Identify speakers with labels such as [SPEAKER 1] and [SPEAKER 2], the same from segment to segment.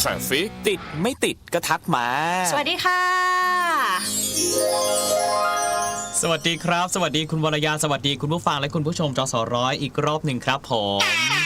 [SPEAKER 1] สั่งสิติดไม่ติดก็ทักมา
[SPEAKER 2] สวัสดีค่ะ
[SPEAKER 3] สวัสดีครับสวัสดีคุณวรยาสวัสดีคุณผู้ฟังและคุณผู้ชมจสร้อยอีกรอบหนึ่งครับผม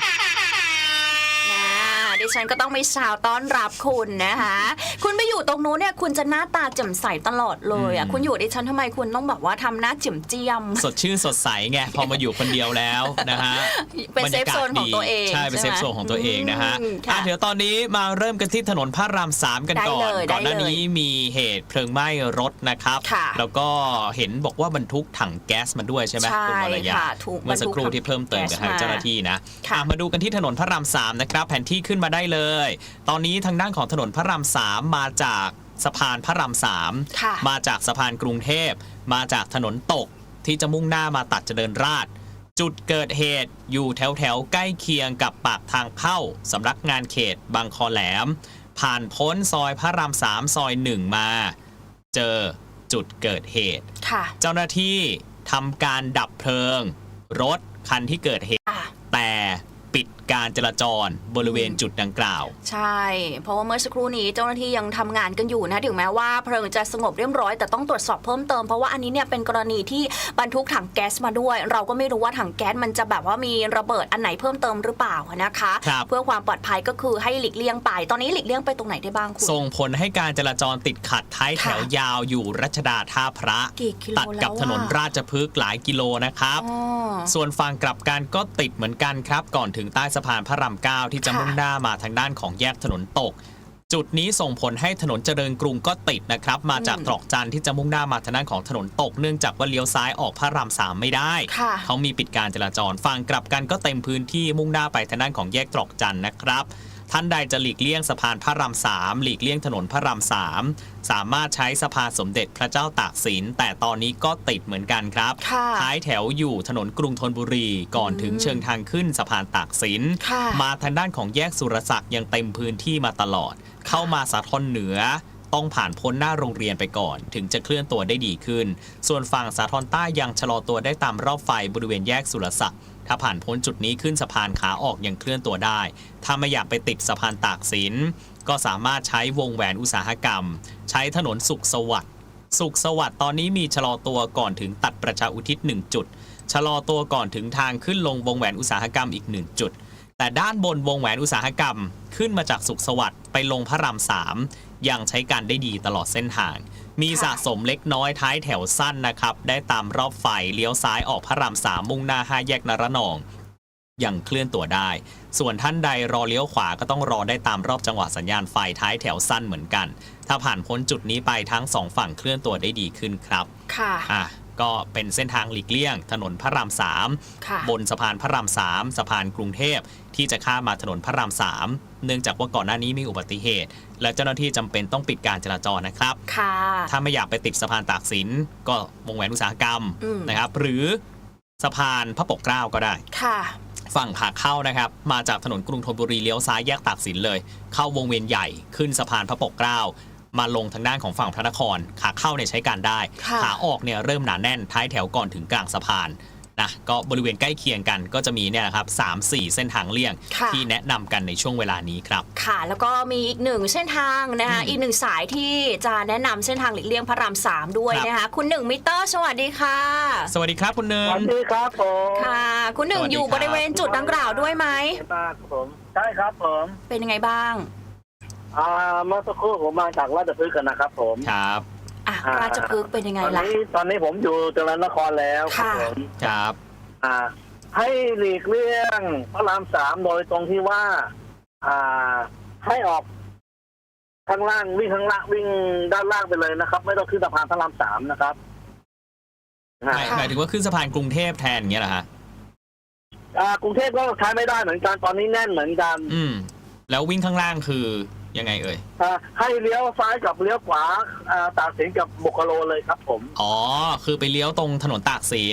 [SPEAKER 2] ดิฉันก็ต้องไม่สาวต้อนรับคุณนะคะคุณไปอยู่ตรงนู้นเนี่ยคุณจะหน้าตาแจ่มใสตลอดเลยอ่ะคุณอยู่ดิฉันทำไมคุณต้องแบบว่าทำหน้าเจียมเจียม
[SPEAKER 3] สดชื่นสดใสไงพอมาอยู่คนเดียวแล้วนะฮะ
[SPEAKER 2] เป็นเซฟโซนของตัวเอง
[SPEAKER 3] ใช่เป็นเซฟโซนของตัวเองนะฮะเดี๋ยวตอนนี้มาเริ่มกันที่ถนนพระราม3กันก่อนก่อนหน้านี้มีเหตุเพลิงไหม้รถนะครับแล้วก็เห็นบอกว่าบรรทุกถังแก๊สมาด้วยใช่ไหมคุณวรยาเมื่อสักครู่ที่เพิ่มเติมกับทางเจ้าหน้าที่นะมาดูกันที่ถนนพระราม3นะครับแผนที่ขึ้นมาได้เลยตอนนี้ทางด้านของถนนพระราม3มาจากสะพานพระราม3มาจากสะพานกรุงเทพมาจากถนนตกที่จะมุ่งหน้ามาตัดเจริญราษฎร์จุดเกิดเหตุอยู่แถวใกล้เคียงกับปากทางเข้าสำนักงานเขตบางคอแหลมผ่านพ้นซอยพระราม3ซอย1มาเจอจุดเกิดเหตุเจ้าหน้าที่ทำการดับเพลิงรถคันที่เกิดเหตุแต่ปิดการจราจรบริเวณจุดดังกล่าว
[SPEAKER 2] ใช่เพราะว่าเมื่อสักครู่นี้เจ้าหน้าที่ยังทำงานกันอยู่นะถึงแม้ว่าเพลิงจะสงบเรียบร้อยแต่ต้องตรวจสอบเพิ่มเติมเพราะว่าอันนี้เนี่ยเป็นกรณีที่บรรทุกถังแก๊สมาด้วยเราก็ไม่รู้ว่าถังแก๊สมันจะแบบว่ามีระเบิดอันไหนเพิ่มเติมหรือเปล่านะคะเพื่อความปลอดภัยก็คือให้หลีกเลี่ยงไปตอนนี้หลีกเลี่ยงไปตรงไหนได้บ้างคุณ
[SPEAKER 3] ส่งผลให้การจราจรติดขัดท้ายแถวยาวอยู่รัชดาท่าพระตัดกับถนนราชพฤกษ์หลายกิโลนะครับส่วนฝั่งกลับกันก็ติดเหมือนกันครับก่อนถึงใต้สะพานพระราม9ที่จะมุ่งหน้ามาทางด้านของแยกถนนตกจุดนี้ส่งผลให้ถนนเจริญกรุงก็ติดนะครับมาจากตรอกจันที่จะมุ่งหน้ามาทางด้านของถนนตกเนื่องจากว่าเลี้ยวซ้ายออกพระราม3ไม่ได้เขามีปิดการจราจรฝั่งกลับกันก็เต็มพื้นที่มุ่งหน้าไปทางด้านของแยกตรอกจันนะครับท่านใดจะหลีกเลี่ยงสะพานพระราม3หลีกเลี่ยงถนนพระราม3สามารถใช้สะพานสมเด็จพระเจ้าตากสินแต่ตอนนี้ก็ติดเหมือนกันครับท้ายแถวอยู่ถนนกรุงธนบุรีก่อนถึงเชิงทางขึ้นสะพานตากสินมาทางด้านของแยกสุรศักดิ์ยังเต็มพื้นที่มาตลอดเข้ามาสาทรเหนือต้องผ่านพ้นหน้าโรงเรียนไปก่อนถึงจะเคลื่อนตัวได้ดีขึ้นส่วนฝั่งสาทรใต้ยังชะลอตัวได้ตามรอบไฟบริเวณแยกสุรศักดิ์ถ้าผ่านพ้นจุดนี้ขึ้นสะพานขาออกยังเคลื่อนตัวได้ถ้าไม่อยากไปติดสะพานตากสินก็สามารถใช้วงแหวนอุตสาหกรรมใช้ถนนสุขสวัสดิ์ตอนนี้มีชะลอตัวก่อนถึงตัดประชาอุทิศ1จุดชะลอตัวก่อนถึงทางขึ้นลงวงแหวนอุตสาหกรรมอีก1จุดแต่ด้านบนวงแหวนอุตสาหกรรมขึ้นมาจากสุขสวัสดิ์ไปลงพระราม3ยังใช้การได้ดีตลอดเส้นทางมีสะสมเล็กน้อยท้ายแถวสั้นนะครับได้ตามรอบไฟเลี้ยวซ้ายออกพระราม3มุ่งหน้า5แยกนรนองยังเคลื่อนตัวได้ส่วนท่านใดรอเลี้ยวขวาก็ต้องรอได้ตามรอบจังหวะสัญญาณไฟท้ายแถวสั้นเหมือนกันถ้าผ่านพ้นจุดนี้ไปทั้ง2ฝั่งเคลื่อนตัวได้ดีขึ้นครับค่ะก็เป็นเส้นทางหลีกเลี่ยงถนนพระราม3บนสะพานพระราม3สะพานกรุงเทพที่จะข้ามมาถนนพระราม3เนื่องจากว่าก่อนหน้านี้มีอุบัติเหตุและเจ้าหน้าที่จำเป็นต้องปิดการจราจรนะครับถ้าไม่อยากไปติดสะพานตากสินก็วงแหวนอุตสาหกรรมนะครับหรือสะพานพระปกเกล้าก็ได้ฝั่งขาเข้านะครับมาจากถนนกรุงธนบุรีเลี้ยวซ้ายแยกตากสินเลยเข้าวงเวียนใหญ่ขึ้นสะพานพระปกเกล้ามาลงทางด้านของฝั่งพระนครขาเข้าเนี่ยใช้การได้ขาออกเนี่ยเริ่มหนาแน่นท้ายแถวก่อนถึงกลางสะพานนะก็บริเวณใกล้เคียงกันก็จะมีเนี่ยนะครับ 3-4 เส้นทางเลี่ยงที่แนะนำกันในช่วงเวลานี้ครับ
[SPEAKER 2] ค่ะแล้วก็มีอีก1เส้นทางนะคะอีก1สายที่จะแนะนำเส้นทางหลีกเลี่ยงพระราม3ด้วยนะคะคุณ1มิเตอร์สวัสดีค่ะ
[SPEAKER 3] สวัสดีครับคุณ1
[SPEAKER 4] สวัสดีครับผม
[SPEAKER 2] ค่ะคุณ1อยู่บริเวณจุดดังกล่าวด้วยไหม
[SPEAKER 4] ผมใช่ครับผม
[SPEAKER 2] เป็นยังไงบ้าง
[SPEAKER 4] เมื่อสักครู่ผมมาจากราชพฤกษ์กันนะครับผม
[SPEAKER 3] ครับ
[SPEAKER 2] ราชพฤกษ์เป็นยังไงล่ะ
[SPEAKER 4] ตอนนี้ผมอยู่เจริญนครแล้วครับผม
[SPEAKER 3] ครับ
[SPEAKER 4] ให้หลีกเลี่ยงพระราม3โดยตรงที่ว่าให้ออกข้างล่างวิ่งข้างล่างวิ่งด้านล่างไปเลยนะครับไม่ต้องขึ้นสะพานพระราม3นะครับ
[SPEAKER 3] หมายถึงว่าขึ้นสะพานกรุงเทพแทนอย่างเงี้ยเหรอฮะ
[SPEAKER 4] กรุงเทพก็ใช้ไม่ได้เหมือนกันตอนนี้แน่นเหมือนกัน
[SPEAKER 3] แล้ววิ่งข้างล่างคือยังไงเอ่ย
[SPEAKER 4] ให้เลี้ยวซ้ายกับเลี้ยวขวาตากสินกับบุคโลเลยครับผม
[SPEAKER 3] อ๋อคือไปเลี้ยวตรงถนนตากสิน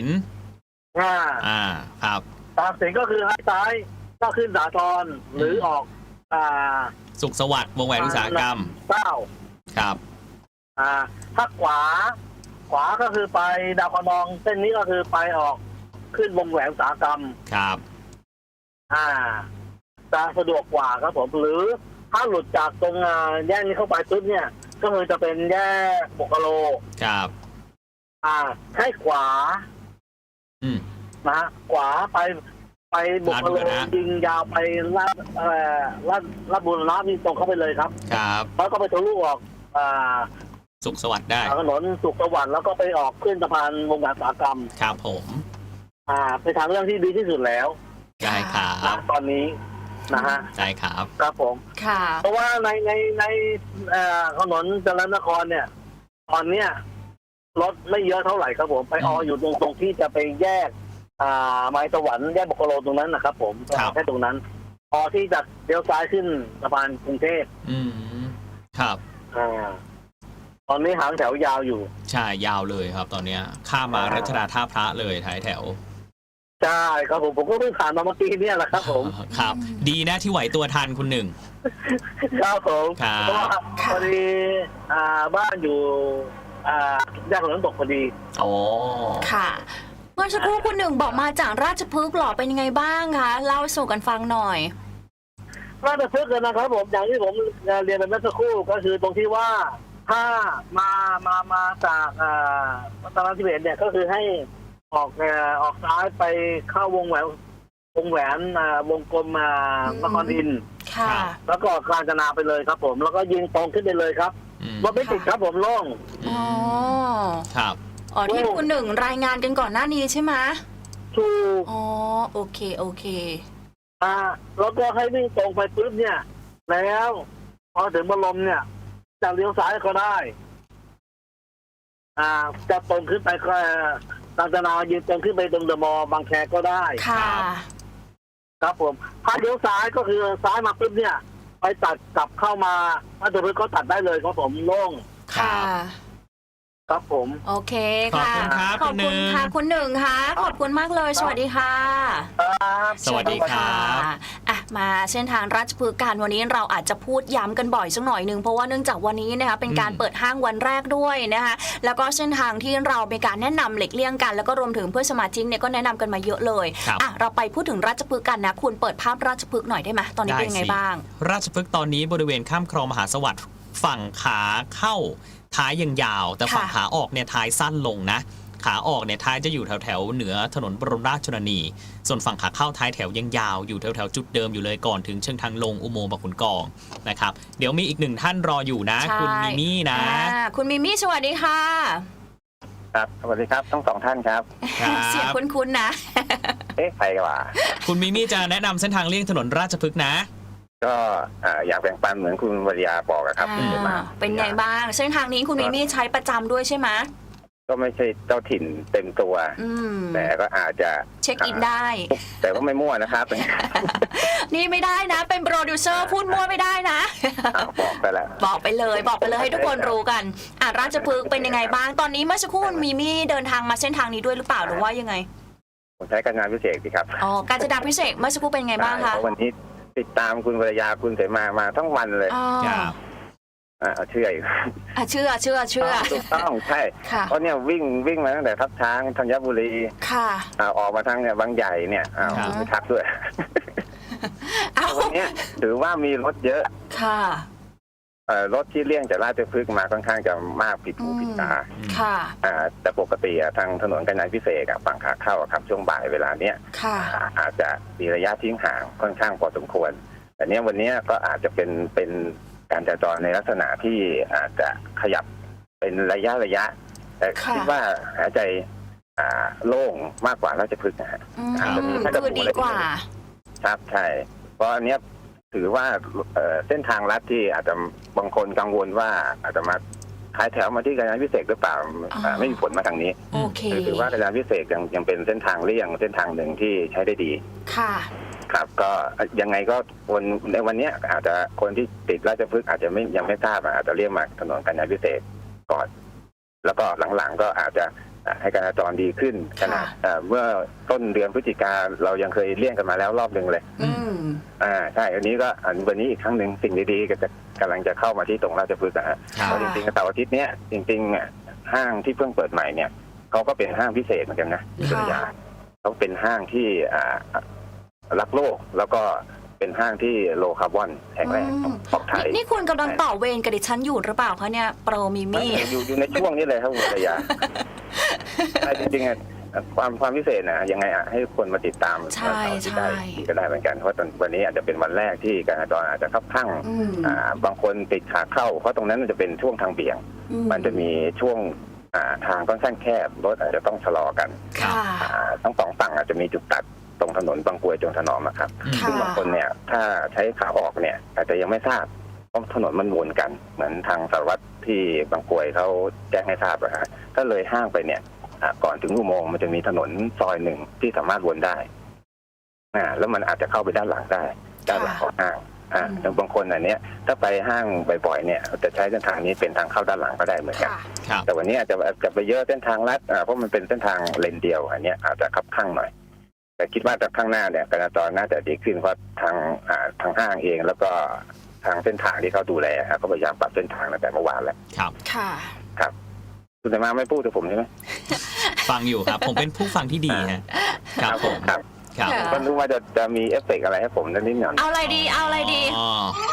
[SPEAKER 3] ครับ
[SPEAKER 4] ตากสินก็คือให้ซ้ายก็ขึ้นสาทรหรือออก
[SPEAKER 3] สุขสวัสดิ์วงแหวนอุตสาหกรรมครับ
[SPEAKER 4] ถ้าขวาก็คือไปดาวคะนองเส้นนี้ก็คือไปออกขึ้นวงแหวนอุตสาหกรรม
[SPEAKER 3] ครับ
[SPEAKER 4] จะสะดวกกว่าครับผมหรือถ้าหลุดจากตรงแยกนี้เข้าไปปุ๊บเนี่ย ก็คือจะเป็นแยกบุกโล
[SPEAKER 3] ครับ
[SPEAKER 4] ให้ขวา นะฮะขวาไปบุกโลยิงยาวไปลาดบุรณะนี่ตรงเข้าไปเลยครับ
[SPEAKER 3] ครับ
[SPEAKER 4] แล้วก็ไปทะลุออก
[SPEAKER 3] สุขสวัสดิ์ได้
[SPEAKER 4] ถนนสุขสวัสดิ์แล้วก็ไปออกขึ้นสะพานวงการอุตสาหกรรม
[SPEAKER 3] ครับผม
[SPEAKER 4] เป็นทางเรื่องที่ดีที่สุดแล้ว
[SPEAKER 3] ได้ครับ
[SPEAKER 4] ตอนนี้นะฮะ
[SPEAKER 3] ได้ครับ
[SPEAKER 4] ครับผม
[SPEAKER 2] ค่ะ
[SPEAKER 4] เพราะว่าในถนนเจริญนครเนี่ย ตอนเนี้ยรถไม่เยอะเท่าไหร่ครับผมไปอยู่ตรงที่จะไปแยกไม้สวรรค์แยกบุกโลตรงนั้นนะครับผมแค่ตรงนั้นพอที่จะเลี้ยวซ้ายขึ้นสะพานกรุงเทพ
[SPEAKER 3] ครับ
[SPEAKER 4] ตอนนี้หางแถวยาวอยู่
[SPEAKER 3] ใช่ยาวเลยครับ ตอนเนี้ยข้ามมารัชดาท่าพระเลยท้ายแถว
[SPEAKER 4] ใช่ครับผมก็เพิ่งผ่านมาเมื่อกี้เนี่ยแหละครับผม
[SPEAKER 3] ครับ ดีนะที่ไหวตัวทันคุณหนึ่ง
[SPEAKER 4] ครับผมเพราะว่าพอดีบ้านอยู่แยกถนนตกพอดี
[SPEAKER 3] อ๋อ
[SPEAKER 2] ค่ะเมื่อสักครู่คุณหนึ่งบอกมาจากราชพฤกษ์หรอเป็นยังไงบ้างคะเล่าสู่กันฟังหน่อย
[SPEAKER 4] ราชพฤกษ์นะครับผมอย่างที่ผมเรียนไปเมื่อสักครู่ก็คือตรงที่ว่าถ้ามาจากวัฒนธิเบศเนี่ยก็คือให้ออกซ้ายไปเข้าวงแหวนวงกลมนครอินทร์แล้วก็กาญจนาไปเลยครับผมแล้วก็ยิงตรงขึ้นไปเลยครับรถไม่ติดครับผมโล่ง
[SPEAKER 2] อ๋อ
[SPEAKER 3] ครับ
[SPEAKER 2] ที่คุณหนึ่งรายงานกันก่อนหน้านี้ใช่ไหม
[SPEAKER 4] ถูก
[SPEAKER 2] อ๋อโอเค
[SPEAKER 4] แล้วก็ให้วิ่งตรงไปปุ๊บเนี่ยแล้วพอถึงบรมเนี่ยจะเลี้ยวซ้ายก็ได้จะตรงขึ้นไปก็กาญจนายืนตรงขึ้นไปตรงเดอะมอลล์บางแคก็ได้
[SPEAKER 2] ค่ะ
[SPEAKER 4] ครับผมถ้าเลี้ยวซ้ายก็คือซ้ายมาปุ๊บเนี่ยไปตัดกลับเข้ามาราชพฤกษ์ก็ตัดได้เลยครับผมโล่ง
[SPEAKER 2] ค่ะ
[SPEAKER 4] ครับผม
[SPEAKER 2] โอเคค่ะ
[SPEAKER 3] ขอบคุณ
[SPEAKER 2] ค่ะคุณหนึ่งค่ะขอบคุณมากเลยสวัสดีค่ะ
[SPEAKER 3] สวัสดีครับ
[SPEAKER 2] มาเส้นทางราชพฤกษ์กันวันนี้เราอาจจะพูดย้ำกันบ่อยสักหน่อยนึงเพราะว่าเนื่องจากวันนี้นะคะเป็นการเปิดห้างวันแรกด้วยนะคะแล้วก็เส้นทางที่เราเป็นการแนะนำหลีกเลี่ยงกันแล้วก็รวมถึงเพื่อนสมาชิกเนี่ยก็แนะนำกันมาเยอะเลยเราไปพูดถึงราชพฤกษ์กันนะคุณเปิดภาพราชพฤกษ์หน่อยได้ไหมตอนนี้เป็นยังไงบ้าง
[SPEAKER 3] ราชพฤกษ์ตอนนี้บริเวณข้ามคลองมหาสวัสดิ์ฝั่งขาเข้าท้ายยังยาวแต่ฝั่งขาออกเนี่ยท้ายสั้นลงนะขาออกเนี่ยท้ายจะอยู่แถวเหนือถนนบรมราชชนนีส่วนฝั่งขาเข้าท้ายแถวยังยาวอยู่แถวจุดเดิมอยู่เลยก่อนถึงเชิงทางลงอุโมงค์บางขุนกองนะครับเดี๋ยวมีอีกหนึ่งท่านรออยู่นะคุณมิมี่นะ
[SPEAKER 2] คุณมิมี่สวัสดีค่ะ
[SPEAKER 5] ครับสวัสดีครับทั้งสองท่านครับ
[SPEAKER 2] เสียงคุ้นๆนะ
[SPEAKER 5] ใครกันวะ
[SPEAKER 3] คุณมิมี่จะแนะนำเส้นทางเลี่ยงถนนราชพฤกษ์นะ
[SPEAKER 5] ก็อยากแบ่งปันเหมือนคุณวริยาบอกครับ
[SPEAKER 2] เป็นไงบ้างเส้นทางนี้คุณมิมี่ใช้ประจำด้วยใช่ไหม
[SPEAKER 5] ก็ไม่ใช่เจ้าถิ่นเต็มตัวแต่ก็อาจจะ
[SPEAKER 2] เช็คอินได้
[SPEAKER 5] แต่ก็ไม่มั่วนะครับ
[SPEAKER 2] นี่ไม่ได้นะเป็นโปรดิวเซอร์พูดมั่วไม่ได้นะ
[SPEAKER 5] บอกไปแล้ว
[SPEAKER 2] บอกไปเลยให้ทุกคนรู้กันราชพฤกษ์เป็นยังไงบ้างตอนนี้เมื่อสักครู่มิมี่เดินทางมาเส้นทางนี้ด้วยหรือเปล่าหรือว่ายังไง
[SPEAKER 5] ผมใช้การงานพิเศษสิครับ
[SPEAKER 2] การจัดการพิเศษเมื่อสักครู่เป็นยังไงบ้างคะ
[SPEAKER 5] วันนี้ติดตามคุณวรยาคุณเสมาทั้งวันเลยเชื่ออยู่
[SPEAKER 2] เชื่อ
[SPEAKER 5] ถูกต้องใช่เพราะเนี่ยวิ่งมาตั้งแต่ทับช้างธัญบุรี
[SPEAKER 2] ค่ะ
[SPEAKER 5] ออกมาทางเนี่ยบางใหญ่เนี่ยไม่ทักด้วยวันนี้ถือว่ามีรถเยอะ
[SPEAKER 2] ค่ะ
[SPEAKER 5] รถที่เลี่ยงจากราชพฤกษ์มาค่อนข้างจะมากผิดหูผิดตา
[SPEAKER 2] ค่ะ
[SPEAKER 5] แต่ปกติทางถนนกาญจนาพิเศษฝั่งขาเข้าครับช่วงบ่ายเวลาเนี้ยอาจจะมีระยะทิ้งห่างค่อนข้างพอสมควรแต่เนี้ยวันนี้ก็อาจจะเป็นการจราจรในลักษณะที่อาจจะขยับเป็นระยะแต่คิดว่าหายใจโล่งมากกว่าราชพฤกษ์นะฮะ
[SPEAKER 2] คือดีกว่า
[SPEAKER 5] ครับใช่เพราะอันเนี้ยถือว่าเส้นทางลัดที่อาจจะบางคนกังวลว่าอาจจะมาท้ายแถวมาที่กาญจนาพิเศษหรือเปล่าไม่มีผลมาทางนี้ถือว่ากาญจนาพิเศษยังเป็นเส้นทางเลี่ยงเส้นทางหนึ่งที่ใช้ได้ดี
[SPEAKER 2] ค่ะ
[SPEAKER 5] ครับก็ยังไงก็คนในวันนี้อาจจะคนที่ติดราชพฤกษ์อาจจะยังไม่ทราบอาจจะเลี่ยงมาถนนกาญจนาพิเศษก่อนแล้วก็หลังๆก็อาจจะให้การจราจรดีขึ้นขนาดเมื่อต้นเดือนพฤศจิกาเรายังเคยเลี่ยงกันมาแล้วรอบหนึ่งเลยใช่อันนี้ก็วันนี้อีกครั้งหนึ่งสิ่งดีๆก็จะกำลังจะเข้ามาที่ตรงราชพฤกษ์นะฮะเพราะจริงๆเสาร์อาทิตย์เนี้ยจริงๆห้างที่เพิ่งเปิดใหม่เนี่ยเขาก็เป็นห้างพิเศษเหมือนกันนะเขาเป็นห้างที่รักโลกแล้วก็เป็นห้างที่โลคาร์บอนแห่งแรกของไทย
[SPEAKER 2] นี่คุณกำลังต่อเวรกับดิฉันอยู่หรือเปล่าคะเนี่ยโปรมิ
[SPEAKER 5] ไม่
[SPEAKER 2] มี่
[SPEAKER 5] อยู่ในช่วงนี้เลยครับคุณภรรยา จริงๆความพิเศษนะยังไงให้คนมาติดตาม
[SPEAKER 2] ใช่
[SPEAKER 5] ที่ได้ก็ได้เหมือนกันเพราะวันนี้อาจจะเป็นวันแรกที่การจราจรอาจจะคับข้างบางคนติดขาเข้าเพราะตรงนั้นมันจะเป็นช่วงทางเบี่ยง มันจะมีช่วงทางค่อนข้างแคบรถอาจจะต้องชะลอกัน
[SPEAKER 2] ค่ะ
[SPEAKER 5] ทั้งสองฝั่งอาจจะมีจุดตัดตรงถนนบางกรวยจงถนอมอะครับ
[SPEAKER 2] ค่ะ
[SPEAKER 5] ซึ่งบางคนเนี่ยถ้าใช้ขาออกเนี่ยอาจจะยังไม่ทราบเพราะถนนมันวนกันเหมือนทางสารวัตรที่บางกรวยเขาแจ้งให้ทราบนะฮะถ้าเลยห้างไปเนี่ยก่อนถึงอุโมงค์มันจะมีถนนซอยหนึ่งที่สามารถวนได้แล้วมันอาจจะเข้าไปด้านหลังได้ด้านหลังของห้างแล้วบางคนอันเนี้ยถ้าไปห้างบ่อยๆเนี่ยจะใช้เส้นทางนี้เป็นทางเข้าด้านหลังก็ได้เหมือนกัน
[SPEAKER 2] ค่ะ
[SPEAKER 5] แต่วันนี้อาจจะไปเยอะเส้นทางลัดเพราะมันเป็นเส้นทางเลนเดียวอันเนี้ยอาจจะคับข้างหน่อยแต่คิดว่าจากข้างหน้าเนี่ยการจราจรน่าจะดีขึ้นเพราะทางห้างเองแล้วก็ทางเส้นทางที่เขาดูแลก็พยายามปรับเส้นทางตั้งแต่เมื่อวานแล้ว
[SPEAKER 3] ครับ
[SPEAKER 2] ค่ะ
[SPEAKER 5] ครับคุณแต่มาไม่พูดกับผมใช่ไหม
[SPEAKER 3] ฟังอยู่ครับ ผมเป็นผู้ฟังที่ดีฮะครับผม
[SPEAKER 5] ครับ
[SPEAKER 3] ครับ
[SPEAKER 2] ค่ะ
[SPEAKER 5] ก็รู้ว่าจะมีเอฟเฟกต์อะไรให้ผมนิดหน่อย
[SPEAKER 2] เอาอะไรดีเอาอะไรดี
[SPEAKER 3] อ๋อ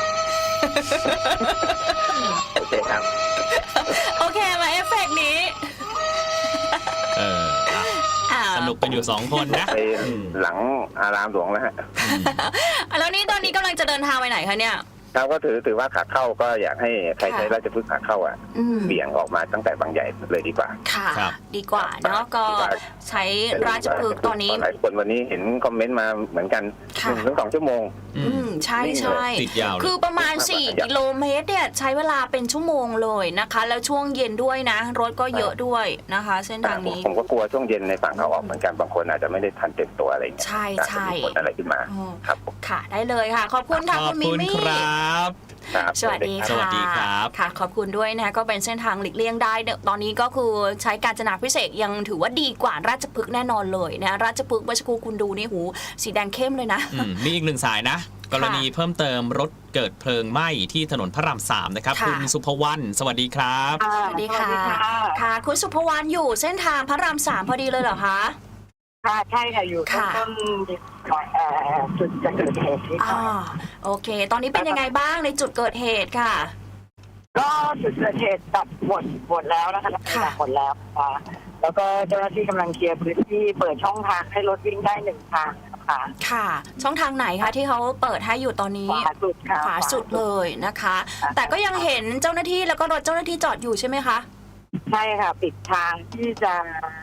[SPEAKER 5] โอเคครับ
[SPEAKER 2] โอเคมาเอฟเฟกต์นี้
[SPEAKER 3] อ่ะสนุกกันอยู่2คนนะ
[SPEAKER 5] ไปหลังอารามหลวงแล้วฮะ
[SPEAKER 2] แล้วนี่ตอนนี้กำลังจะเดินทางไปไหนคะเนี่ย
[SPEAKER 5] ครับก็ถือว่าขาเข้าก็อยากให้ใครใช้ราชพฤกษ์ขาเข้าเบี่ยงออกมาตั้งแต่บางใหญ่เลยดีกว่า
[SPEAKER 2] ค่ะ ดีกว่าเนาะก็ใช้ราชพฤกษ์ตอนนี้
[SPEAKER 5] หลายคนวันนี้เห็นคอมเมนต์มาเหมือนกัน
[SPEAKER 2] ค่ะ
[SPEAKER 5] 1-2 ชั่วโมง
[SPEAKER 2] ใช่ใช่
[SPEAKER 3] ติดยาวเลย
[SPEAKER 2] คือประมาณ4กิโลเมตรเนี่ยใช้เวลาเป็นชั่วโมงเลยนะคะ แล้วช่วงเย็นด้วยนะ รถก็เยอะด้วยนะคะ เส้นทางนี้
[SPEAKER 5] ผมก็กลัวช่วงเย็นในฝั่งเขาออกเหมือนกันบางคนอาจจะไม่ได้ทันเต็มตัวอะไรอย่างเงี้ย
[SPEAKER 2] ใช่
[SPEAKER 5] อาจ
[SPEAKER 2] ใช่
[SPEAKER 5] จะมีผลอะไรขึ้นมา
[SPEAKER 2] อ๋อ
[SPEAKER 5] ครับผม
[SPEAKER 2] ค่ะได้เลยค่ะ ขอบคุณค่ะ
[SPEAKER 3] ขอ
[SPEAKER 2] คุ
[SPEAKER 3] บ
[SPEAKER 2] ณมิ
[SPEAKER 3] คุณ
[SPEAKER 2] มี่
[SPEAKER 3] ครับ
[SPEAKER 5] ครับ
[SPEAKER 2] สวัสดี
[SPEAKER 3] ส
[SPEAKER 2] ค่ะ
[SPEAKER 3] วัสดีครับ
[SPEAKER 2] ค่ะ ขอบคุณด้วยนะคะก็เป็นเส้นทางหลีกเลี่ยงได้เนี่ยตอนนี้ก็คือใช้กาญจนาพิเศษกยังถือว่าดีกว่าราชพฤกษ์แน่นอนเลยนะราชพฤกษ์เมื่อสักครู่คุณดูนี่หูสีแดงเข้มเลยนะ
[SPEAKER 3] มีอีกหนึ่งสายนะ กรณีเพิ่มเติมรถเกิดเพลิงไหม้ที่ถนนพระราม3นะครับ
[SPEAKER 2] ค่ะ
[SPEAKER 3] คุณสุภวรรณสวัสดีครับ
[SPEAKER 2] สวัสดีค่ะ ค่ะ คุณสุภวรรณอยู่เส้นทางพระราม3พอดีเลยเหรอคะ
[SPEAKER 6] ค่ะใช่ค่ะอยู่
[SPEAKER 2] ค่ะ
[SPEAKER 6] ต้นจุดจะเกิดเหตุที่
[SPEAKER 2] อ่าโอเค ตอนนี้เป็นยังไงบ้างในจุดเกิดเหตุค่ะ
[SPEAKER 6] ก็จุดเกิดเหตุตัดหมดแล้วนะคะ
[SPEAKER 2] ค่ะ
[SPEAKER 6] หมดแล้วค่ะแล้วก็เจ้าหน้าที่กำลังเคลียร์พื้นที่เปิดช่องทางให้รถวิ่งได้1 ทางนะคะ
[SPEAKER 2] ค่ะ ช่องทางไหนคะที่เขาเปิดให้อยู่ตอนนี้
[SPEAKER 6] ขวาสุดค่ะ
[SPEAKER 2] ขวาสุดเลยนะคะ แต่ก็ยังเห็นเจ้าหน้าที่แล้วก็รถเจ้าหน้าที่จอดอยู่ใช่ไหมคะ
[SPEAKER 6] ใช่ค่ะ ปิดทางที่จะ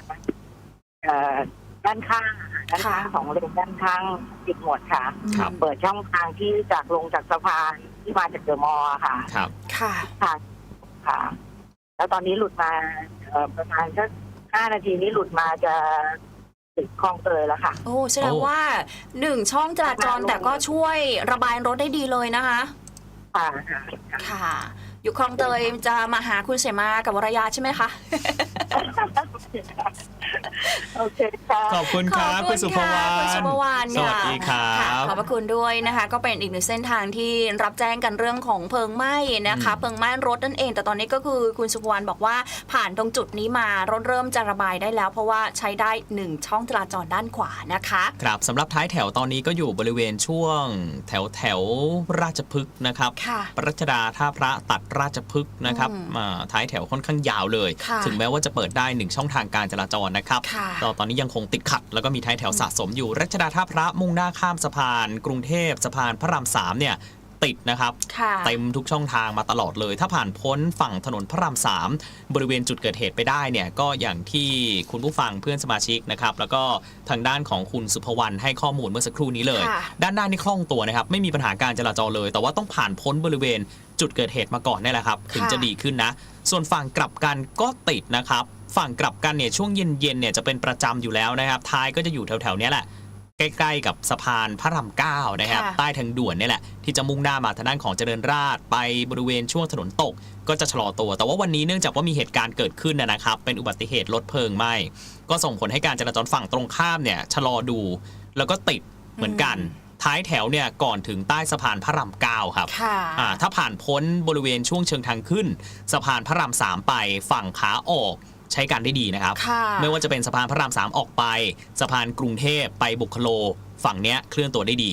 [SPEAKER 6] ด้านข้างของเลนด้านข้างปิดหมดค่ะ
[SPEAKER 3] ครับ
[SPEAKER 6] เปิดช่องทางที่จากลงจากสะพานที่มาจากเดอะมอลล์ค่ะ
[SPEAKER 3] ครับ
[SPEAKER 2] ค่ะ
[SPEAKER 6] ค่ะ แล้วตอนนี้หลุดมาประมาณสัก5 นาทีนี้หลุดมาจะถึงคลองเตยแล้วค่ะ
[SPEAKER 2] โอ้แสดงว่า1 ช่องจราจรแต่ก็ช่วยระบายรถได้ดีเลยนะคะ
[SPEAKER 6] ค่ะ
[SPEAKER 2] ค่ะ อยู่คลองเตยจะมาหาคุณเสมากับวรยาใช่ไหมคะ
[SPEAKER 6] โอเคค่ะ
[SPEAKER 3] ขอบคุณครับคุณสุภวรรณ
[SPEAKER 2] คุณสุภวรรณ
[SPEAKER 3] สวัสดีครั
[SPEAKER 2] ค่ะ
[SPEAKER 3] บ
[SPEAKER 2] ขอบพระคุณด้วยนะคะ ก็เป็นอีกหนึ่งเส้นทางที่รับแจ้งกันเรื่องของเพลิงไหม้นะคะ เพลิงไหม้รถนั่นเอง แต่ตอนนี้ก็คือคุณสุภวรรณบอกว่าผ่านตรงจุดนี้มารถเริ่มจะระบายได้แล้ว เพราะว่าใช้ได้1 ช่องจราจรด้านขวานะคะ
[SPEAKER 3] ครับสำหรับท้ายแถวตอนนี้ก็อยู่บริเวณช่วงแถวราชพฤกษ์นะครับ
[SPEAKER 2] ค่ะ
[SPEAKER 3] รัชดาท่าพระตัดราชพฤกษ์นะครับท้ายแถวค่อนข้างยาวเลย
[SPEAKER 2] ค่ะ
[SPEAKER 3] ถึงแม้ว่าจะเปิดได้1 ช่องทางการจราจรนะครับ
[SPEAKER 2] ค่ะ
[SPEAKER 3] ตอนนี้ยังคงติดขัด แล้วก็มีท้ายแถวสะสมอยู่รัชดาท่าพระมุ่งหน้าข้ามสะพานกรุงเทพสะพานพระราม3เนี่ยติดนะครับ
[SPEAKER 2] ค่ะ
[SPEAKER 3] เต็มทุกช่องทางมาตลอดเลย ถ้าผ่านพ้นฝั่งถนนพระราม3บริเวณจุดเกิดเหตุไปได้เนี่ยก็อย่างที่คุณผู้ฟังเพื่อนสมาชิกนะครับแล้วก็ทางด้านของคุณสุภวรรณให้ข้อมูลเมื่อสักครู่นี้เลย
[SPEAKER 2] ค่ะ
[SPEAKER 3] ด้านหน้านี่คล่องตัวนะครับไม่มีปัญหาการจราจรเลย แต่ว่าต้องผ่านพ้นบริเวณจุดเกิดเหตุมาก่อนนี่แหละครับถึงจะดีขึ้นนะส่วนฝั่งกลับกันก็ติดนะครับฝั่งกลับกันเนี่ยช่วงเย็นๆเนี่ยจะเป็นประจำอยู่แล้วนะครับท้ายก็จะอยู่แถวๆนี้แหละใกล้ๆกับสะพานพระราม9นะครับ
[SPEAKER 2] ค่ะ
[SPEAKER 3] ใต้ทางด่วนนี่แหละที่จะมุ่งหน้ามาทางด้านของเจริญราษฎร์ไปบริเวณช่วงถนนตกก็จะชะลอตัวแต่ว่าวันนี้เนื่องจากว่ามีเหตุการณ์เกิดขึ้นนะครับเป็นอุบัติเหตุรถเพลิงไหม้ก็ส่งผลให้การจราจรฝั่งตรงข้ามเนี่ยชะลอดูแล้วก็ติดเหมือนกันท้ายแถวเนี่ยก่อนถึงใต้สะพานพระราม9ครับ
[SPEAKER 2] ค่ะ
[SPEAKER 3] ถ้าผ่านพ้นบริเวณช่วงเชิงทางขึ้นสะพานพระราม3ไปฝั่งขาออกใช้การได้ดีนะครับ
[SPEAKER 2] ค่ะ
[SPEAKER 3] ไม่ว่าจะเป็นสะพานพระราม3ออกไปสะพานกรุงเทพไปบุคโลฝั่งเนี้ยเคลื่อนตัวได้ดี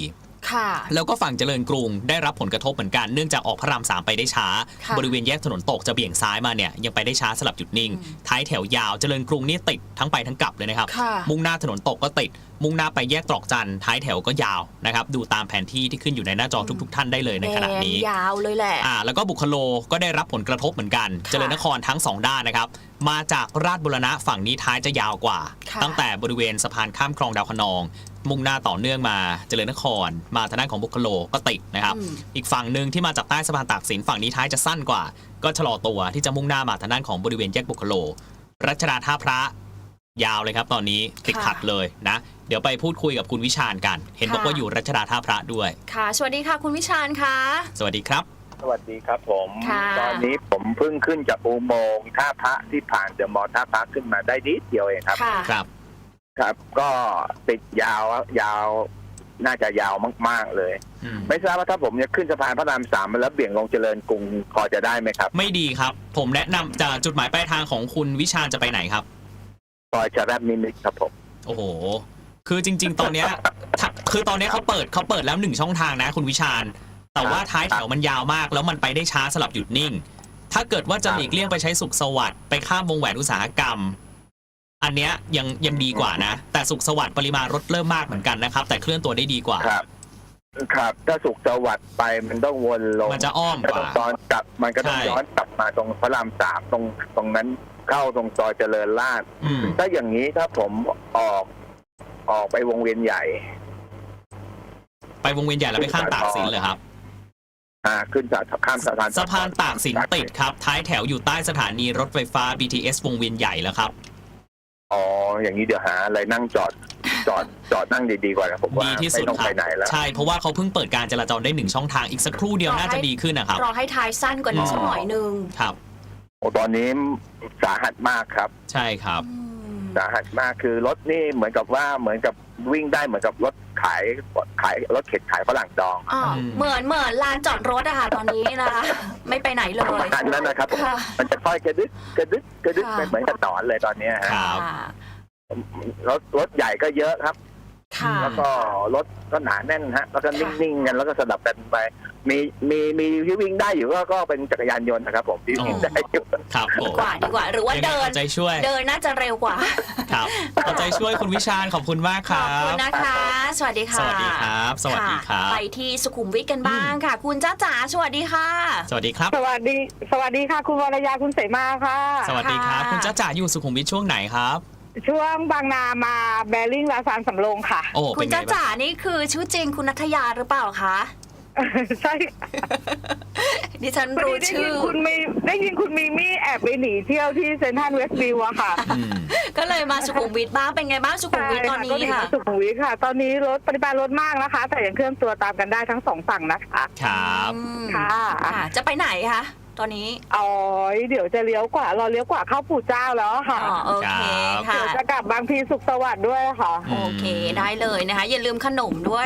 [SPEAKER 2] ค่ะ
[SPEAKER 3] แล้วก็ฝั่งเจริญกรุงได้รับผลกระทบเหมือนกันเนื่องจากออกพระราม3ไปได้ช้า
[SPEAKER 2] ค่ะ
[SPEAKER 3] บริเวณแยกถนนตกจะเบี่ยงซ้ายมาเนี่ยยังไปได้ช้าสลับหยุดนิ่ง ท้ายแถวยาวเจริญกรุงนี่ติดทั้งไปทั้งกลับเลยนะครับ
[SPEAKER 2] ค่ะ
[SPEAKER 3] มุ่งหน้าถนนตกก็ติด มุ่งหน้าไปแยกตรอกจันทร์ท้ายแถวก็ยาวนะครับดูตามแผนที่ที่ขึ้นอยู่ในหน้าจอทุกๆท่านได้เลยในขณะนี้
[SPEAKER 2] แดงยาวเลยแหละ
[SPEAKER 3] แล้วก็บุคโลก็ได้รับผลกระทบเหมือนกัน
[SPEAKER 2] ค่ะ
[SPEAKER 3] เจริญนครทั้ง 2 ด้านนะครับ มาจากราชบุรณะฝั่งนี้ท้ายจะยาวกว่า
[SPEAKER 2] ค่ะ
[SPEAKER 3] ตั้งแต่บริเวณสะพานข้ามคลองดาวคะนอง มุ่งหน้าต่อเนื่องมาเจริญนคร มาทางด้านของบุคโลก็ติดนะครับ อีกฝั่งหนึ่งที่มาจากใต้สะพานตากสินฝั่งนี้ท้ายจะสั้นกว่า ก็ชะลอตัวที่จะมุ่งหน้ามาทางด้านของบริเวณแยกบุคโล รัชดาท่าพระยาวเลยครับตอนนี้ติดขัดเลยนะ เดี๋ยวไปพูดคุยกับคุณวิชาญกัน เห็นบอกว่าอยู่รัชดาท่าพระด้วย
[SPEAKER 2] ค่ะ สวัสดีค่ะคุณวิชาญค่ะ
[SPEAKER 3] สวัสดีครับ
[SPEAKER 5] สวัสดีครับผม
[SPEAKER 2] ค่ะ
[SPEAKER 5] ตอนนี้ผมเพิ่งขึ้นจากอุโมงค์ท่าพระที่ผ่านเดอะมอลล์ท่าพระขึ้นมาได้นิดเดียวเองครับ
[SPEAKER 2] ค่ะ
[SPEAKER 3] ครับ
[SPEAKER 5] ครับ ก็ติดยาวน่าจะยาวมากๆเลย ไม่ทราบว่าถ้าผมจะขึ้นสะพานพระราม3แล้วเบี่ยงลงเจริญกรุงพอจะได้ไหมครับ
[SPEAKER 3] ไม่ดีครับ ผมแนะนำจากจุดหมายปลายทางของคุณวิชาญจะไปไหนครับ
[SPEAKER 5] ซอยชะแรบนิมิตรครับผม
[SPEAKER 3] โอ้โห คือจริง ๆ ตอนเนี้ย คือตอนเนี้ยเขาเปิดแล้ว1ช่องทางนะคุณวิชาญ แต่ว่าท้ายแถวมันยาวมากแล้วมันไปได้ช้าสลับหยุดนิ่ง ถ้าเกิดว่าจะหลีกเลี่ยงไปใช้สุขสวัสดิ์ไปข้ามวงแหวนอุตสาหกรรม อันเนี้ยยังดีกว่านะ แต่สุขสวัสดิ์ปริมาณรถเริ่มมากเหมือนกันนะครับ แต่เคลื่อนตัวได้ดีกว่า
[SPEAKER 5] ครับ ครับ ถ้าสุขสวัสดิ์ไปมันต้องวนลง
[SPEAKER 3] มันจะอ้อมกว่า
[SPEAKER 5] ตอนกลับมันก็ต้อง
[SPEAKER 3] ใช่
[SPEAKER 5] ย้อนกลับมาตรงพระราม3ตรงนั้นเข้าตรงซอยเจริญราษฎร์
[SPEAKER 3] อืม
[SPEAKER 5] ถ้าอย่างนี้ถ้าผมออกไปวงเวียนใหญ่
[SPEAKER 3] ไปวงเวียนใหญ่แล้วไปข้ามตากสินเลยครับ
[SPEAKER 5] ขึ้นจากข้ามสะพาน
[SPEAKER 3] สะพานตากสินติดครับ ท้ายแถวอยู่ใต้สถานีรถไฟฟ้า BTS วงเวียนใหญ่แล้วครับ
[SPEAKER 5] อ๋ออย่างนี้เดี๋ยวหาอะไรนั่งจอดนั่งดีๆกว่านะผมว่า
[SPEAKER 3] ดีที่สุด
[SPEAKER 5] ไม่ต้อง
[SPEAKER 3] ครั
[SPEAKER 5] ไปไหนแล้ว
[SPEAKER 3] ใช่เพราะว่าเขาเพิ่งเปิดการจราจรได้1ช่องทางอีกสักครู่เดียวน่าจะดีขึ้นนะครับ
[SPEAKER 2] รอให้ท้ายสั้นกว่านี้สักหน่อยนึง
[SPEAKER 3] ครับ
[SPEAKER 5] โอ้ตอนนี้สาหัสมากครับ
[SPEAKER 3] ใช่ครับ
[SPEAKER 5] สาหัสมากคือรถนี่เหมือนกับวิ่งได้เหมือนกับรถขายรถเข็นขายฝรั่งดอง
[SPEAKER 2] อ๋อเหมือนลานจอดรถอะค่ะตอนนี้นะคะ ไม่ไปไหนเลย
[SPEAKER 5] อันนั้นนะครับ
[SPEAKER 2] ค่ะ
[SPEAKER 5] มันจะค่อยกระดึ๊ด
[SPEAKER 2] ค่ะ
[SPEAKER 5] เป็นเหมือนกับหนอนเลยตอนเนี้ยฮะ
[SPEAKER 3] ครับ
[SPEAKER 5] รถใหญ่ก็เยอะครับ
[SPEAKER 2] ค่ะ
[SPEAKER 5] แล้วก็รถก็หนาแน่นฮะแล้วก็นิ่งๆกันแล้วก็สลับกันไปมีที่วิ่งได้อยู่ก็เป็นจักรยานยนต์นะครับผมที่วิ่งได้อยู่
[SPEAKER 3] ครับผ
[SPEAKER 2] ดี
[SPEAKER 3] ม
[SPEAKER 2] กว่าหรือว่า
[SPEAKER 3] ยังไง
[SPEAKER 2] เดิน
[SPEAKER 3] เอาใจช่วย
[SPEAKER 2] เดินน่าจะเร็วกว่า
[SPEAKER 3] ครับเอาใจช่วยคุณวิชาญขอบคุณมากค
[SPEAKER 2] ข
[SPEAKER 3] รั
[SPEAKER 2] อบคุณ
[SPEAKER 3] บ
[SPEAKER 2] นะคะ สวัสดีค่ะ
[SPEAKER 3] สวัสดีครับ สวัสดีครั
[SPEAKER 2] ะ
[SPEAKER 3] บ
[SPEAKER 2] ไปที่สุขุมวิทกันบ้างค่ะ คุณจ้าจ๋าสวัสดีค่ะ
[SPEAKER 3] สวัสดีครับ
[SPEAKER 6] สวัสดีค่ะ คุณวรยาคุณเสมาค่ะ
[SPEAKER 3] สวัสดีครับ คุณจ้าจ๋าอยู่สุขุมวิทช่วงไหนครับ
[SPEAKER 6] ช่วงบางนามาแบริ่งลาซานสำโรงค่ะ
[SPEAKER 3] โอ้
[SPEAKER 2] คุ
[SPEAKER 3] เป็
[SPEAKER 2] ณ
[SPEAKER 3] นไง
[SPEAKER 2] จ้า
[SPEAKER 3] บ้าง
[SPEAKER 2] จ๋านี่คือชื่อจริงคุณนัทยาหรือเปล่าคะ
[SPEAKER 6] ใช่
[SPEAKER 2] ดิฉันรู้ชื่อ
[SPEAKER 6] ได้ยินคุณมีมี่แอบไปหนีเที่ยวที่เซนทรัลเวสต์วิวอะค่ะ
[SPEAKER 3] อืม
[SPEAKER 2] ก็เลยมาสุขุมวิทบ้างเป็นไงบ้างสุขุมวิทตอนนี้
[SPEAKER 6] ก็ห
[SPEAKER 2] ค่ะ
[SPEAKER 6] มาสุขุมวิทค่ะ ตอนนี้ปริมาณรถมากนะคะ แต่ยังเคลื่อนตัวตามกันได้ทั้งสองฝั่งนะคะ
[SPEAKER 3] ครับ
[SPEAKER 2] อืม
[SPEAKER 6] ค่ะ
[SPEAKER 2] ค่ะ จะไปไหนคะตอนนี้
[SPEAKER 6] อ๋อเดี๋ยวจะเลี้ยวกว่าเข้าปู่เจ้าแล้วค่ะ
[SPEAKER 2] อ๋อโอเคค่ะ
[SPEAKER 6] เดี๋ยวจะกลับบางพีสุขสวัสดิ์ด้วยค่ะ
[SPEAKER 2] โอเคได้เลยนะคะ อย่าลืมขนมด้วย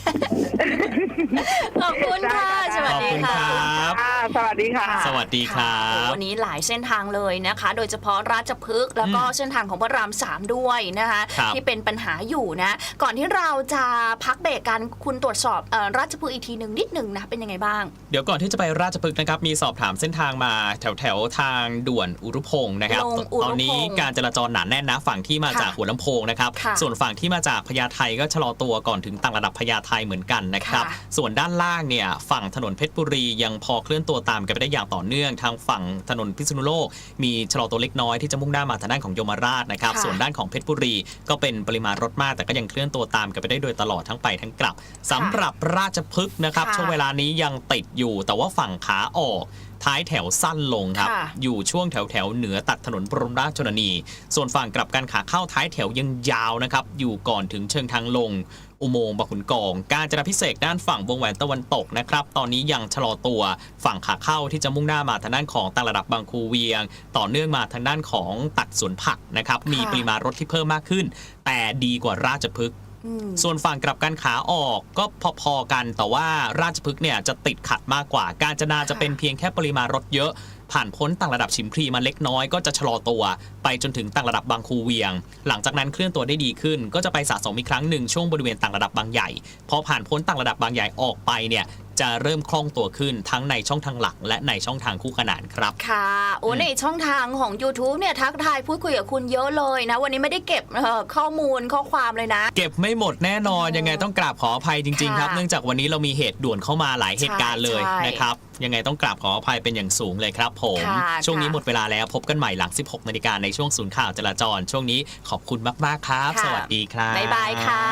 [SPEAKER 2] ขอบคุณค่ะ สวัสดีค่ะ
[SPEAKER 3] ขอบคุณครับ
[SPEAKER 6] สวัสดีค่ะ
[SPEAKER 3] สวัสดีครั
[SPEAKER 2] โอ้
[SPEAKER 3] บ
[SPEAKER 2] วันนี้หลายเส้นทางเลยนะคะ โดยเฉพาะราชพฤกษ์แล้วก็เส้นทางของพระราม3ด้วยนะคะ
[SPEAKER 3] ครับ
[SPEAKER 2] ที่เป็นปัญหาอยู่นะ ก่อนที่เราจะพักเบรกกันคุณตรวจสอบราชพฤกษ์อีกทีหนึ่งนิดหนึ่งนะเป็นยังไงบ้าง
[SPEAKER 3] เดี๋ยวก่อนที่จะไปราชพฤกษ์นะครับมีสอบถามเส้นทางมาแถวทางด่วนอุรุพงศ์นะครับ
[SPEAKER 2] ลงอุรุพงศ์
[SPEAKER 3] ตอนนี้การจราจรหนาแน่นนะฝั่งที่มาจาก
[SPEAKER 2] ค่ะ
[SPEAKER 3] หัวลำโพงนะครับ
[SPEAKER 2] ค่ะ
[SPEAKER 3] ส่วนฝั่งที่มาจากพญาไทก็ชะลอตัวก่อนถึงต่างระดับพญาไทเหมือนกันนะครับ
[SPEAKER 2] ค่ะ
[SPEAKER 3] ส่วนด้านล่างเนี่ยฝั่งถนนเพชรบุรียังพอเคลื่อนตัวตามกันไปได้อย่างต่อเนื่องทางฝั่งถนนพิษณุโลกมีชะลอตัวเล็กน้อยที่จะมุ่งหน้ามาทางด้านของยมราชนะครับ
[SPEAKER 2] ค่ะ
[SPEAKER 3] ส่วนด้านของเพชรบุรีก็เป็นปริมาณรถมากแต่ก็ยังเคลื่อนตัวตามกันไปได้โดยตลอดทั้งไปทั้งกลับสำหรับราชพฤกษ์นะครับ
[SPEAKER 2] ค่ะ
[SPEAKER 3] ช่วงเวลานี้ยังติดอยู่แต่ว่าฝั่งขาออกท้ายแถวสั้นลงครับ
[SPEAKER 2] ค่ะ
[SPEAKER 3] อยู่ช่วงแถวเหนือตัดถนนบรมราชชนนี ส่วนฝั่งกลับกันขาเข้าท้ายแถวยังยาวนะครับอยู่ก่อนถึงเชิงทางลง อุโมงค์บางขุนกอง การจราพิเศษกด้านฝั่งวงแหวนตะวันตกนะครับตอนนี้ยังชะลอตัวฝั่งขาเข้าที่จะมุ่งหน้ามาทางด้านของต่างระดับบางคูเวียง ต่อเนื่องมาทางด้านของตัดสวนผักนะครับมีปริมาณรถที่เพิ่มมากขึ้น แต่ดีกว่าราชพฤกษ์ ส่วนฝั่งกลับกันขาออกก็พอๆกันแต่ว่าราชพฤกษ์เนี่ยจะติดขัดมากกว่า กาญจนาจะเป็นเพียงแค่ปริมาณรถเยอะผ่านพ้นต่างระดับฉิมพลีมาเล็กน้อยก็จะชะลอตัวไปจนถึงต่างระดับบางคูเวียง หลังจากนั้นเคลื่อนตัวได้ดีขึ้นก็จะไปสะสมอีกครั้งหนึ่งช่วงบริเวณต่างระดับบางใหญ่พอผ่านพ้นต่างระดับบางใหญ่ออกไปเนี่ยจะเริ่มคล่องตัวขึ้นทั้งในช่องทางหลักและในช่องทางคู่ขนานครับ
[SPEAKER 2] ค่ะโอ้ในช่องทางของ YouTube เนี่ยทักทายพูดคุยกับคุณเยอะเลยนะวันนี้ไม่ได้เก็บข้อมูลข้อความเลยนะ
[SPEAKER 3] เก็บไม่หมดแน่นอนยังไงต้องกราบขออภัยจริงๆครับ
[SPEAKER 2] ค่ะ
[SPEAKER 3] เนื่องจากวันนี้เรามีเหตุด่วนเข้ามาหลายเหตุการณ์เลย
[SPEAKER 2] ใช่
[SPEAKER 3] นะครับยังไงต้องกราบขออภัยเป็นอย่างสูงเลยครับผม
[SPEAKER 2] ค่ะ
[SPEAKER 3] ช่วงนี้
[SPEAKER 2] ค่ะ
[SPEAKER 3] หมดเวลาแล้วพบกันใหม่หลัง 16 นาฬิกาในช่วงศูนย์ข่าวจราจรช่วงนี้ขอบคุณมากๆครับ
[SPEAKER 2] ค่ะ
[SPEAKER 3] สวัสดีครับ
[SPEAKER 2] บ๊ายบายค่ะ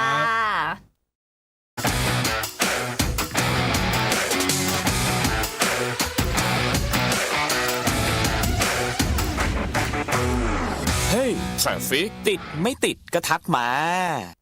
[SPEAKER 1] เฮ้ยทราฟิกติดไม่ติดก็ทักมา